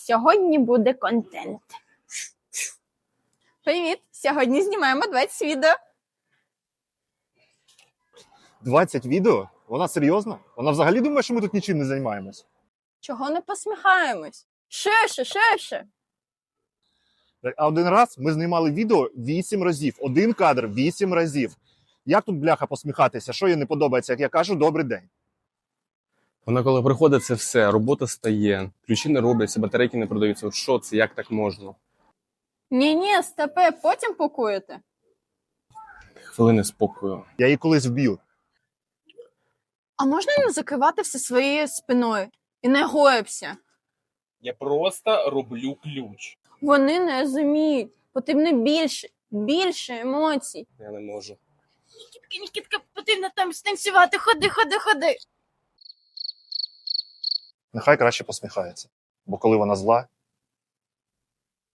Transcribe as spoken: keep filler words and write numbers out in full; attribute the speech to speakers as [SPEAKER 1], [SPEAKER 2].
[SPEAKER 1] Сьогодні буде контент. Привіт! Сьогодні знімаємо двадцять відео.
[SPEAKER 2] двадцять відео? Вона серйозна? Вона взагалі думає, що ми тут нічим не займаємось?
[SPEAKER 1] Чого не посміхаємось? Ширше, ширше.
[SPEAKER 2] А один раз ми знімали відео вісім разів. Один кадр вісім разів. Як тут, бляха, посміхатися? Що їй не подобається, як я кажу, добрий день?
[SPEAKER 3] Вона коли приходить, це все, робота стає, ключі не робляться, батарейки не продаються. От що це, як так можна?
[SPEAKER 1] Ні-ні, стопе, потім пакуєте.
[SPEAKER 3] Хвилини спокою.
[SPEAKER 2] Я її колись вб'ю.
[SPEAKER 1] А можна не закривати все своєю спиною? І не гоїбся.
[SPEAKER 3] Я просто роблю ключ.
[SPEAKER 1] Вони не розуміють. Потрібно більше, більше емоцій.
[SPEAKER 3] Я не можу.
[SPEAKER 1] Нікітка, Нікітка, потрібно там станцювати. Ходи, ходи, ходи.
[SPEAKER 2] Нехай краще посміхається. Бо коли вона зла,